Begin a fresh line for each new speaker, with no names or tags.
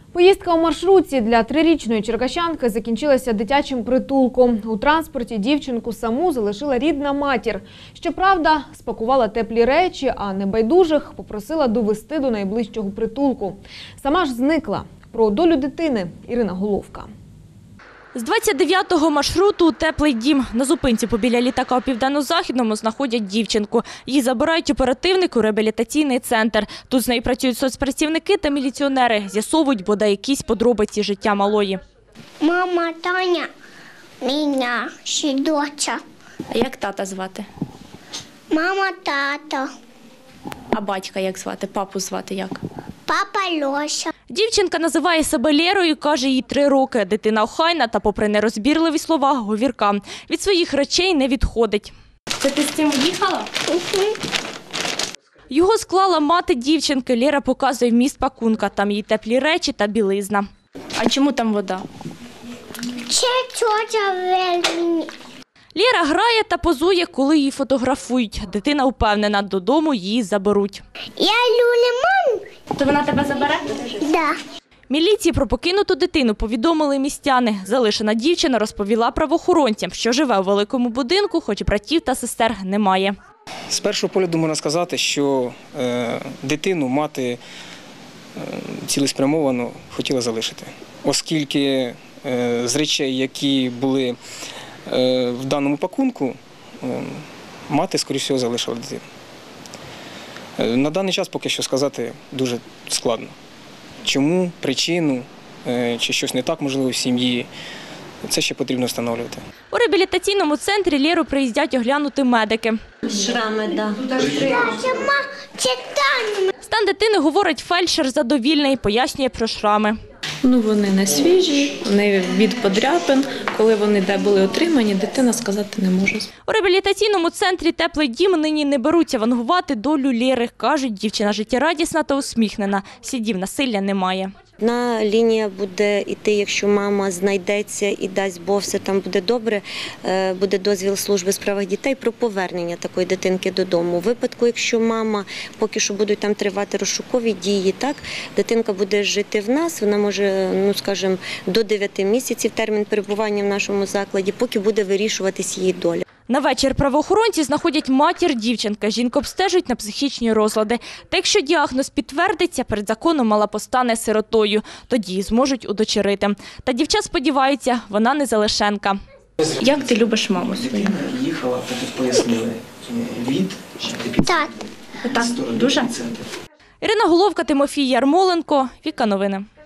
Поїздка у маршрутці для 3-річної черкащанки закінчилася дитячим притулком. У транспорті дівчинку саму залишила рідна матір. Щоправда, спакувала теплі речі, а небайдужих попросила довести до найближчого притулку. Сама ж зникла. Про долю дитини Ірина Головка.
З 29-го маршруту у теплий дім. На зупинці побіля літака у Південно-Західному знаходять дівчинку. Її забирають оперативник у реабілітаційний центр. Тут з нею працюють соцпрацівники та міліціонери. З'ясовують бодай якісь подробиці життя малої.
Мама Таня, мене, ще доча.
А як тата звати?
Мама, тато,
А батька як звати? Папу звати як?
папа Льоша.
Дівчинка називає себе Лєрою, каже, їй 3 роки. Дитина охайна та, попри нерозбірливі слова, говірка. Від своїх речей не відходить. Це ти з цим їхала? Його склала мати дівчинки. Лєра показує вміст пакунка. Там її теплі речі та білизна. А чому там вода?
Це тьотя Веліні.
Лєра грає та позує, коли її фотографують. Дитина впевнена, додому її заберуть.
Я люблю маму.
То вона тебе забере?
Да.
Міліції про покинуту дитину повідомили містяни. Залишена дівчина розповіла правоохоронцям, що живе у великому будинку, хоч братів та сестер немає.
З першого погляду можна сказати, що дитину мати цілеспрямовано хотіла залишити. Оскільки з речей, які були в даному пакунку, мати, скоріше всього, залишила дитину. На даний час поки що сказати дуже складно. Чому, причину, чи щось не так, можливо, в сім'ї, це ще потрібно встановлювати.
У реабілітаційному центрі Лєру приїздять оглянути медики.
Шрами, да.
Це Таня.
Стан дитини, говорить фельдшер, задовільний, пояснює про шрами.
Вони не свіжі, вони від подряпин. Коли вони де були отримані, дитина сказати не може.
У реабілітаційному центрі «Теплий дім» нині не беруться вангувати долю Лєри. Кажуть, дівчина життєрадісна та усміхнена. Слідів насилля немає.
Одна лінія буде йти, якщо мама знайдеться і дасть Бог, все там буде добре, буде дозвіл служби у справах дітей про повернення такої дитинки додому. У випадку, якщо мама, поки що будуть там тривати розшукові дії, так, дитинка буде жити в нас, вона може, скажімо, до 9 місяців термін перебування в нашому закладі, поки буде вирішуватись її доля.
На вечір правоохоронці знаходять матір дівчинки. Жінку обстежують на психічні розлади. Та якщо діагноз підтвердиться, перед законом мала постане сиротою. Тоді її зможуть удочерити. Та дівча сподівається, вона не залишенка. Як ти любиш маму свою?
Їхала, тут пояснили, від
Так.
Отак, дуже? Ірина Головка, Тимофій Ярмоленко, Віка Новини.